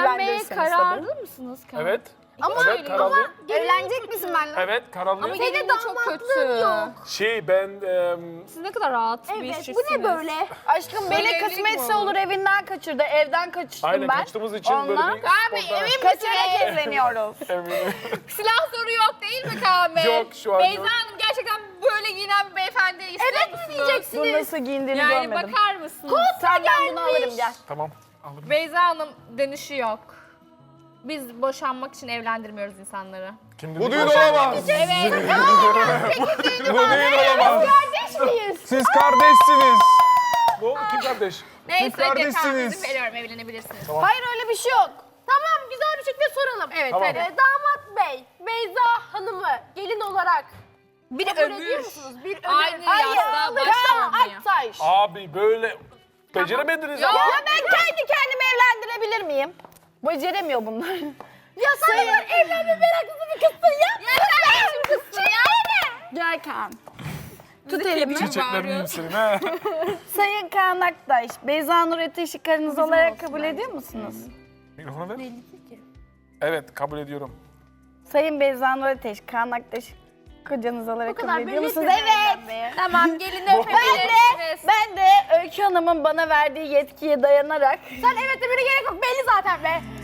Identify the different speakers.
Speaker 1: Evlenmeye
Speaker 2: evlendirirseniz
Speaker 1: kararlı mısınız?
Speaker 3: Evet.
Speaker 1: Ama
Speaker 3: Evet, kararlıyım.
Speaker 2: Evlenecek misin benimle?
Speaker 3: Evet, kararlıyım.
Speaker 1: Ama gelin de çok kötü.
Speaker 3: Ben
Speaker 1: Siz ne kadar rahat bir
Speaker 2: Evet,
Speaker 1: çiftsiniz.
Speaker 2: bu ne böyle? Aşkım beni
Speaker 1: evlilik
Speaker 2: kısmetse
Speaker 1: mi
Speaker 2: olur evinden kaçırdı. Evden kaçıştım
Speaker 3: aynen
Speaker 2: ben.
Speaker 3: kaçtığımız için
Speaker 2: Ondan-
Speaker 3: böyle bir sporda
Speaker 2: Kaçarak evleniyoruz.
Speaker 3: eminim.
Speaker 1: Silah soru yok değil mi Kaan Bey?
Speaker 3: Yok, şu an
Speaker 1: Beyza
Speaker 3: yok.
Speaker 1: Hanım gerçekten böyle giyinen bir beyefendi istiyor musunuz?
Speaker 2: Bu nasıl giyindiğini
Speaker 1: Yani
Speaker 2: görmedim.
Speaker 1: bakar mısınız?
Speaker 2: Senden bunu alırım gel.
Speaker 3: Tamam, alırım.
Speaker 1: Beyza Hanım dönüşü yok. Biz boşanmak için evlendirmiyoruz insanları.
Speaker 3: Kim
Speaker 4: Bu
Speaker 3: dedi
Speaker 4: düğün
Speaker 3: boşanmak?
Speaker 4: olamaz.
Speaker 1: Evet.
Speaker 4: Bu düğün olamaz.
Speaker 2: Kardeş miyiz?
Speaker 4: Siz kardeşsiniz.
Speaker 3: Ne oldu, kim kardeş?
Speaker 1: Neyse
Speaker 4: kardeşsiniz.
Speaker 1: kardeşsiniz. Veriyorum, evlenebilirsiniz.
Speaker 2: Hayır öyle bir şey yok.
Speaker 5: Tamam güzel bir şekilde soralım.
Speaker 1: Evet,
Speaker 3: Tamam.
Speaker 1: hadi.
Speaker 5: Damat Bey, Beyza Hanım'ı gelin olarak
Speaker 1: Bir
Speaker 5: kabul ediyor
Speaker 1: ömür.
Speaker 5: musunuz? Bir ömür.
Speaker 1: Aynı yastığa baş
Speaker 2: Kaan
Speaker 1: koymuyor.
Speaker 2: Aktaş.
Speaker 3: Abi böyle beceremediniz ama.
Speaker 2: Ya ben kendi kendimi evlendirebilir miyim? Beceremiyor bunlar.
Speaker 5: Ya sen de evlenme meraklısı bir kızsın ya.
Speaker 1: Ya sen şimdi kızsın ya.
Speaker 2: Gel Kaan.
Speaker 1: Tut
Speaker 2: elimi.
Speaker 3: Çiçeklerini yiyeyim senin ha.
Speaker 2: Sayın Kaan Aktaş, Beyza Nur Ateş'i karınız olarak kabul ediyor musunuz?
Speaker 3: Mikrofonu ver. Evet, kabul ediyorum.
Speaker 2: Sayın Beyza Nur Ateş, Kaan Aktaş kocanız olarak kabul ediyor
Speaker 5: belli
Speaker 2: musunuz?
Speaker 5: etmedi
Speaker 2: Evet.
Speaker 5: evlenmeye.
Speaker 1: Tamam, gelin öpebilirsiniz.
Speaker 2: Ben de Öykü Hanım'ın bana verdiği yetkiye dayanarak
Speaker 5: Sen evet demene gerek yok belli zaten be.